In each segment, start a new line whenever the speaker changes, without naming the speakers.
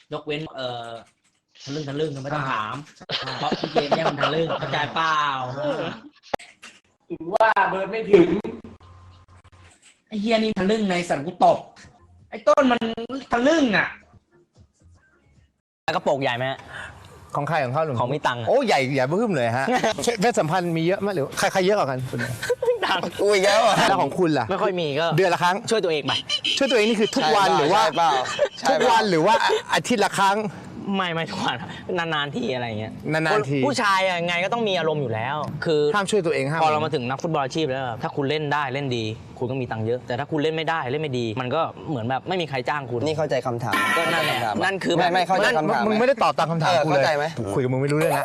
ยกเว้นทะลึ่งไม่ต้องถามเพราะพี่เกมเนี่ยมันทะลึ่งเข้าใจเปล่า
ถือว่าเบิร์ดไม่ถึง
ไอ้เฮียนี่ทะลึ่งในสันกูตบไอ้ต้นมันทะลึ่งอ่ะ
กระโปรงใหญ่ไหม
ของใครของเขาหรือ
ของมีตังค์อะ
โอ้ใหญ่เพิ่มเลยฮะเพศสัมพันธ์มีเยอะไหมหรือใครเยอะกว่ากันคุณ
ตังค์
กูอีกแล้วอ่ะ
แล้วของคุณล่ะ
ไม่ค่อยมีก็
เดือนละครั้ง
ช่วยตัวเองไป
ช่วยตัวเองนี่คือทุกวันหรือว่า
ใช่เปล่า
ทุกวันหรือว่าอาทิตย์ละครั้ง
ไม่ทุกวันนานๆทีอะไรเงี้ย
นานๆที
ผู้ชายอะไงก็ต้องมีอารมณ์อยู่แล้ว คือ
ห้ามช่วยตัวเองห้าม
พอเรามาถึงนักฟุตบอลอาชีพแล้วถ้าคุณเล่นได้เล่นดี คุณก็มีตังค์เยอะ แต่ถ้าคุณเล่นไม่ได้เล่นไม่ดี มันก็เหมือนแบบไม่มีใครจ้างคุณ
นี่เข้าใจคำถาม
ก็นั่นแหละนั่นคือ
ไม่เข้าใจคำถาม
มึงไม่ได้ตอบตามคำถามกูเลย
เข้าใจไหม
คุยกับมึงไม่รู้เรื่องนะ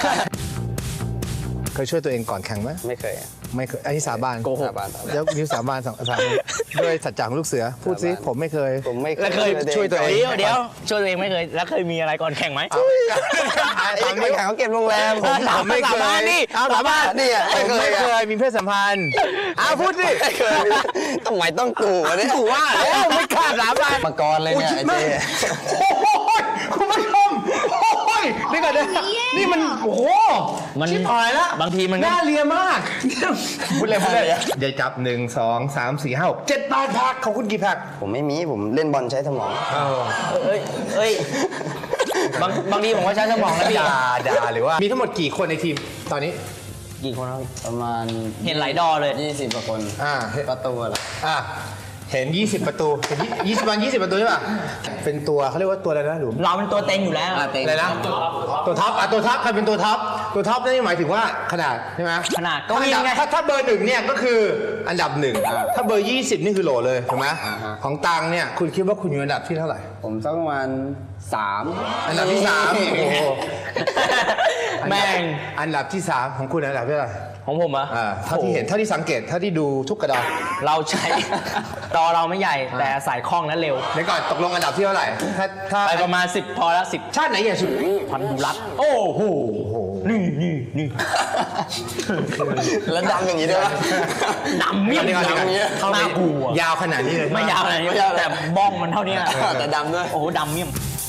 เคยช่วยตัวเองก่อนแข่งไหม
ไม่เคย
ไม่เคยอันนี้สาบาน
โกหก
แล้วนิ้วสาบานสามด้วยสัจจะของลูกเสือพูดซิผมไม่เคย
ผมไม่
แล้วเคย
ช่วยตัวเอง
เดี๋ยวช่วยตัวเองไม่เคยแล้วเคยมีอะไรก่อนแข่งไหม
ไอ้คนแข่งเขาเก็บโรงแรม
ผมไม่เค
สาบาน
ย
นี่
เอาสาบาน
นี่อ่ะ
ผม
ไม่
ไม่
เค
เค
ย
ยมีเพศสัมพันธ์พูดสิ
ไม่เคยทำไมต้องกูวะเนี่ย
กูว่าแล้วไม่กล้าสาบาน
มากรเลยเนี่ยไอ้เจ๊
โอ้โหคุณผู้ชมโอ้ยนี่ก่อนนะนี่มันโอ้โห
มัน
ชิบหายแล้ว
บางทีมันก็
น่าเลียมากพูดเลยเดี๋ยวจับ1 2 3 4 5 6 7 8พักของคุณกี่พัก
ผมไม่มีผมเล่นบอลใช้สมอง
เอ้ยบางทีผมก็ใช้สมองนะพี่
ด่าหรือว่ามีทั้งหมดกี่คนในทีมตอนนี้
กี่คนครับ
ประมาณ
เห็นหลายดอเลย
20กว่าคน ประตูเหรอ
เห็น20ประตูเห็น20ประตูใช่ป่ะเป็นตัวเขาเรียกว่าตัวอะไรนะหลุม
เราเป็นตัวเต็งอยู่แล้ว
อะไรนะตัวท็อปตัวท็อปใครเป็นตัวท็อปตัวท็อปนั่นหมายถึงว่าขนาดใช่ไหม
ขนาดก็
ก็
วิ่งไง
ถ้าเบอร์1เนี่ยก็คืออันดับ1ถ้าเบอร์20นี่คือโหลเลยถูกไหมของตังเนี่ยคุณคิดว่าคุณอยู่อันดับที่เท่าไหร่
ผมสักประมาณ3
อันดับที่3โอ้โห
แม่ง
อันดับที่3ของคุณอันดับที่เท่าไหร่
ของผมอะ
เท่าที่เห็นเท่าที่สังเกตเท่าที่ดูทุกกระดาน
เราใช้ ดอเราไม่ใหญ่แต่สายคล่องและเร็ว
เดี๋ยวก่อนตกลงอันดับที่เท่าไหร่ถ้า
ไปประมาณ10พอแล้ว10
ชาติไหนใหญ่สุด
พันธุรัตน์โอ้โหนี่
แล้วดำอย่างนี้ด้วยวะ
ดำเมี่ยม
เดี๋ยวก่อน
ดำ
เข้าไป
น่ากลัวย
าวขนาดนี้เลย
ไม่ยาวอะไรแต่บ้องมันเท่านี้
แต่ดำด้วย
โอ้โหดำเมี่ยม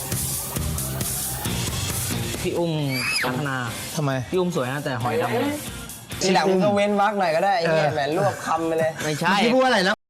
พี่อุ้มพัฒนา
ทำไม
พี่อุ้มสวยนะแต่หอยดำ
ทีหลังมึงก็เว้นวรรคหน่อยก็ได้ไอ้เนี่ยแหมรวบคำไปเลย
ไม่ใช่
ที่พูดว่าอะไรนะ